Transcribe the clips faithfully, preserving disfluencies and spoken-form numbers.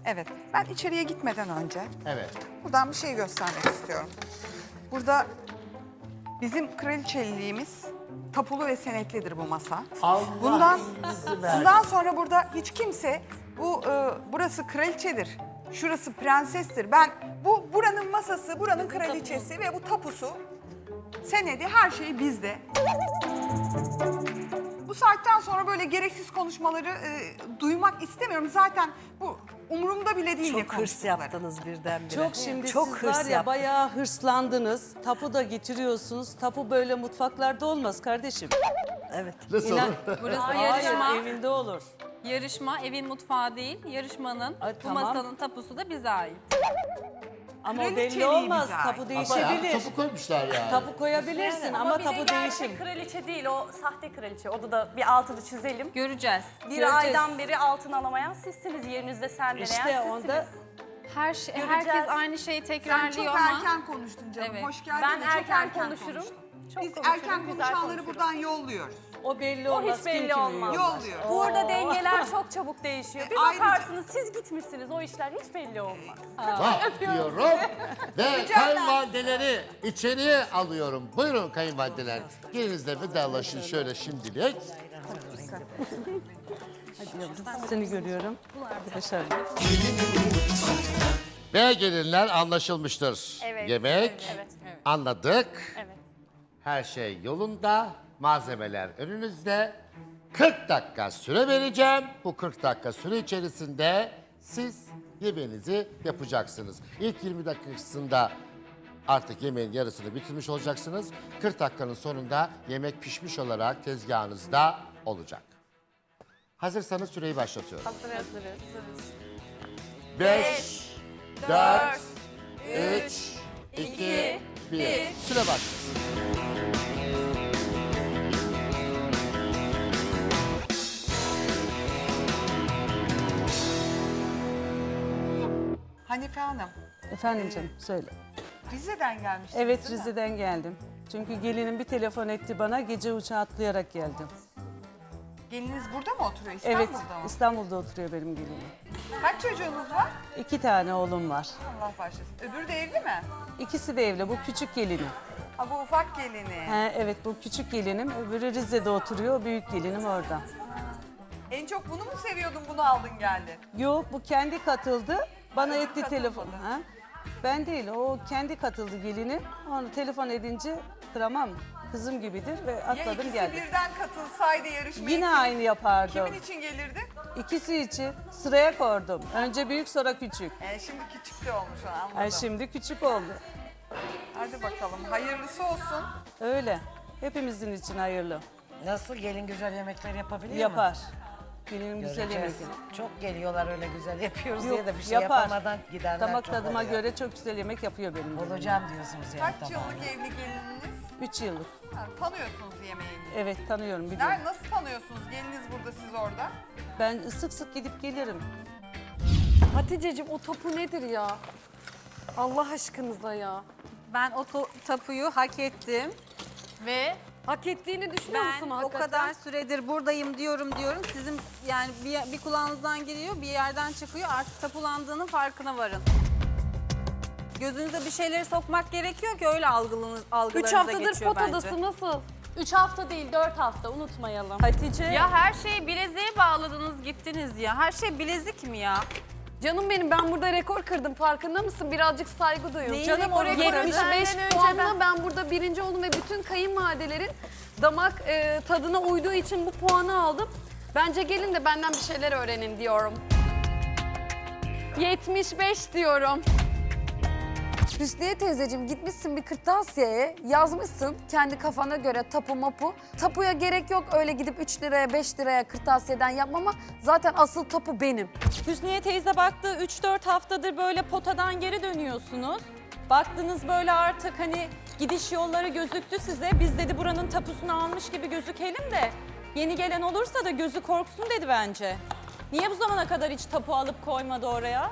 Evet. Ben içeriye gitmeden önce Evet. buradan bir şey göstermek istiyorum. Burada bizim kraliçeliğimiz tapulu ve senetlidir bu masa. Allah Bundan bizi versin. bundan sonra burada hiç kimse bu e, burası kraliçedir. Şurası prensestir. Ben bu buranın masası, buranın kraliçesi ve bu tapusu, senedi, her şey bizde. Bu saatten sonra böyle gereksiz konuşmaları e, duymak istemiyorum. Zaten bu umurumda bile değil ne Çok hırs konuştukları. yaptınız birdenbire. Çok şimdi Çok siz hırs var ya yaptınız. bayağı hırslandınız. Tapu da getiriyorsunuz. Tapu böyle mutfaklarda olmaz kardeşim. Evet. Nasıl İnan- olur? Burası Hayır, yarışma. evinde olur. Yarışma evin mutfağı değil. Yarışmanın Ay, bu tamam. masanın tapusu da bize ait. Ama o belli Kraliçeliği olmaz. bize ait. Tapu Bayağı değişebilir. topu koymuşlar yani. Tapu koyabilirsin ama, bir de tapu gerçek değişim. kraliçe değil, o sahte kraliçe. Onu da bir altını çizelim. Göreceğiz. Bir Göreceğiz. aydan beri altın alamayan sizsiniz, yerinizde sendeleyen İşte sizsiniz. onda Her şey, Göreceğiz. herkes aynı şeyi Sen tekrarlıyor çok ama erken konuştun canım. Evet. Hoş geldin. Ben de çok erken erken konuşurum. konuştun. Çok Biz konuşurum, erken güzel konuşanları konuşurum. buradan yolluyoruz. o belli O olmaz. hiç Kim belli kimi olmaz. yollar. Yolluyoruz. Burada dengeler çok çabuk değişiyor. Bir E, ayrıca- bakarsınız siz gitmişsiniz, o işler hiç belli olmaz. Vah diyorum ve kayınvalideleri içeriye alıyorum. Buyurun kayınvalideler. Gelinizle vedalaşın şöyle şimdilik. Seni görüyorum. Başarılı. Ve gelinler anlaşılmıştır. Evet, Yemek evet, anladık. Evet. Her şey yolunda. Malzemeler önünüzde. kırk dakika süre vereceğim. Bu kırk dakika süre içerisinde siz yemeğinizi yapacaksınız. İlk yirmi dakikasında artık yemeğin yarısını bitirmiş olacaksınız. kırk dakikanın sonunda yemek pişmiş olarak tezgahınızda olacak. Hazırsanız süreyi başlatıyorum. Hazırız. beş, dört, üç, iki, bir. Süre başlasın. Hanife Hanım, Efendim canım söyle. Rize'den gelmiştiniz Evet değil mi? Rize'den geldim. Çünkü gelinim bir telefon etti bana. Gece uçağı atlayarak geldim. Geliniz burada mı oturuyor? Evet İstanbul'da mı? İstanbul'da oturuyor benim gelinim. Kaç çocuğunuz var? İki tane oğlum var. Allah başlasın. Öbürü de evli mi? İkisi de evli. Bu küçük gelinim. Ha, bu ufak gelini. He, evet bu küçük gelinim. Öbürü Rize'de oturuyor. O büyük gelinim orada. En çok bunu mu seviyordun, bunu aldın geldin? Yok bu kendi katıldı. Bana Öbürü etti katılmadı. telefon. Ha? Ben değil o kendi katıldı gelini. Onu telefon edince kıramam. Kızım gibidir ve Ya atladım ikisi geldim. birden katılsaydı yarışmaya Yine kimin- aynı yapardım. Kimin için gelirdi? İkisi için sıraya koydum. Önce büyük sonra küçük. Ee, şimdi küçük de olmuş, anladım. Ay şimdi küçük oldu. Hadi bakalım, hayırlısı olsun. Öyle. Hepimizin için hayırlı. Nasıl gelin güzel yemekler yapabiliyor mu? Yapar. Gelinim güzel yemek Göreceğiz. yapar. Çok geliyorlar öyle güzel yapıyoruz Yok, diye de bir şey yapar. yapamadan gidenler Damak çok tadıma oluyor. göre çok güzel yemek yapıyor benim gelinim. Olacağım diyorsunuz yani. Kaç tamam. yıllık evli gelininiz? Üç yıllık. Ha, tanıyorsunuz yemeğini. Evet tanıyorum biliyorum. Nerede, nasıl tanıyorsunuz? Geliniz burada, siz orada. Ben sık sık gidip gelirim. Hatice'cim o tapu nedir ya? Allah aşkınıza ya. ben o to- tapuyu hak ettim ve Hak ettiğini düşünüyor ben musun o hakikaten? kadar süredir buradayım diyorum diyorum. Sizin yani bir, bir kulağınızdan giriyor, bir yerden çıkıyor. Artık tapulandığının farkına varın. Gözünüze bir şeyleri sokmak gerekiyor ki öyle algılarınız, algılarınıza Üç haftadır geçiyor potadası bence. nasıl? Üç hafta değil dört hafta unutmayalım. Hatice. Ya her şeyi bileziğe bağladınız gittiniz ya. Her şey bilezik mi ya? Canım benim ben burada rekor kırdım farkında mısın? Birazcık saygı duyun. Neyin Canım o rekoru rekor kırdın? yetmiş beş Senden önce puanla ben burada birinci oldum ve bütün kayınvalidelerin damak e, tadına uyduğu için bu puanı aldım. Bence gelin de benden bir şeyler öğrenin diyorum. yetmiş beş diyorum. Hüsniye teyzeciğim gitmişsin bir kırtasiyeye yazmışsın kendi kafana göre tapu mapu. Tapuya gerek yok öyle gidip üç liraya beş liraya kırtasiyeden yapmama. Zaten asıl tapu benim. Hüsniye teyze baktı üç dört haftadır böyle potadan geri dönüyorsunuz. Baktınız böyle artık hani gidiş yolları gözüktü size. Biz dedi buranın tapusunu almış gibi gözükelim de yeni gelen olursa da gözü korksun dedi bence. Niye bu zamana kadar hiç tapu alıp koymadı oraya?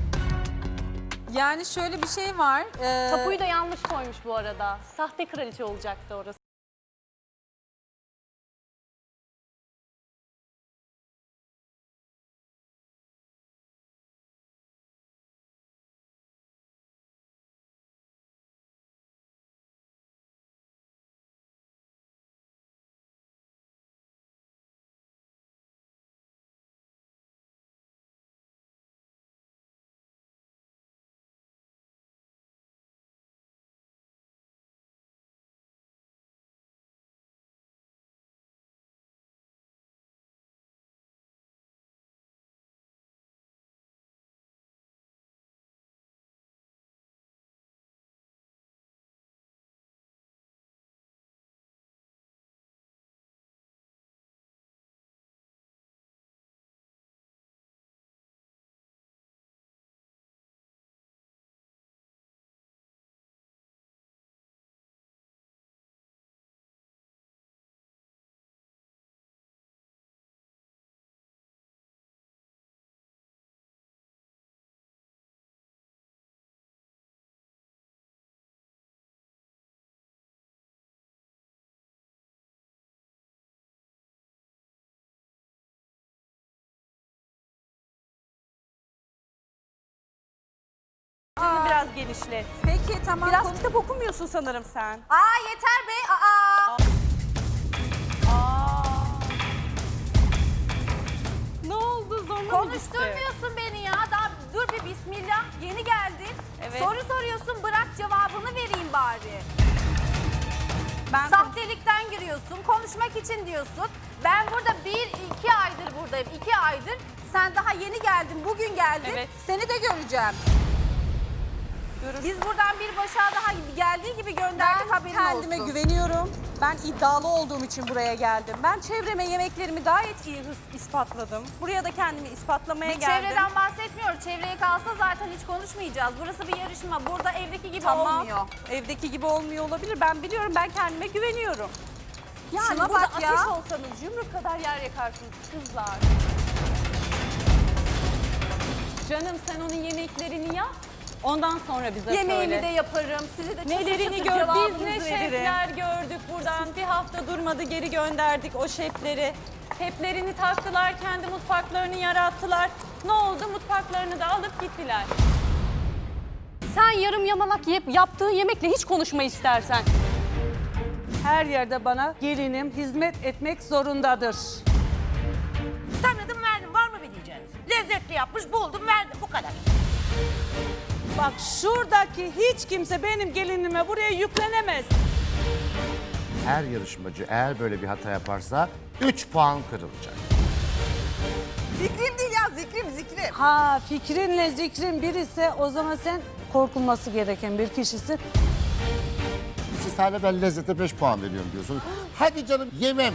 Yani şöyle bir şey var. ee, Tapuyu da yanlış koymuş bu arada. Sahte kraliçe olacaktı orası. genişlet. Peki tamam. Biraz konu- kitap okumuyorsun sanırım sen. Aa yeter be. Aa. Aa. Ne oldu? Zoruna mı gitti? Konuşturmuyorsun beni ya. Daha dur bir bismillah. Yeni geldin. Evet. Soru soruyorsun, bırak cevabını vereyim bari. Ben Sahtelikten giriyorsun, konuşmak için diyorsun. Ben burada bir, iki aydır buradayım, iki aydır. Sen daha yeni geldin, bugün geldin. Evet. Seni de göreceğim. Biz buradan bir başa daha geldiği gibi gönderdik, Ben haberin kendime olsun. güveniyorum. Ben iddialı olduğum için buraya geldim. Ben çevreme yemeklerimi gayet iyi hıs- ispatladım. Buraya da kendimi ispatlamaya Bir geldim. çevreden bahsetmiyoruz. Çevreye kalsa zaten hiç konuşmayacağız. Burası bir yarışma. Burada evdeki gibi Tamam. olmuyor. Evdeki gibi olmuyor olabilir. Ben biliyorum, ben kendime güveniyorum. Yani Şuna burada bak ya. ateş olsanız yumruk kadar yer yakarsınız kızlar. Canım sen onun yemeklerini yap. Ondan sonra bize Yemeğimi söyle. de yaparım. Size de Nelerini çatır çatır gör, biz cevabınızı ne veririm. şefler gördük buradan. Bir hafta durmadı geri gönderdik o şefleri. Heplerini taktılar, kendi mutfaklarını yarattılar. Ne oldu? Mutfaklarını da alıp gittiler. Sen yarım yamalak yiyip yaptığı yemekle hiç konuşma istersen. Her yerde bana gelinim hizmet etmek zorundadır. Tanıdım verdim, var mı bir diyeceğiniz? Lezzetli yapmış, buldum verdim, bu kadar. Bak şuradaki hiç kimse benim gelinime buraya yüklenemez. Her yarışmacı eğer böyle bir hata yaparsa üç puan kırılacak. Zikrim değil ya, zikrim zikrim. Ha fikrinle zikrin bir ise o zaman sen korkulması gereken bir kişisin. Siz hala ben lezzete beş puan veriyorum diyorsunuz. Hadi canım yemem.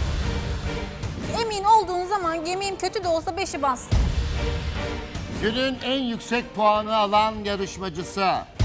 Emin olduğun zaman yemeğim kötü de olsa beşi bas. Günün en yüksek puanı alan yarışmacısı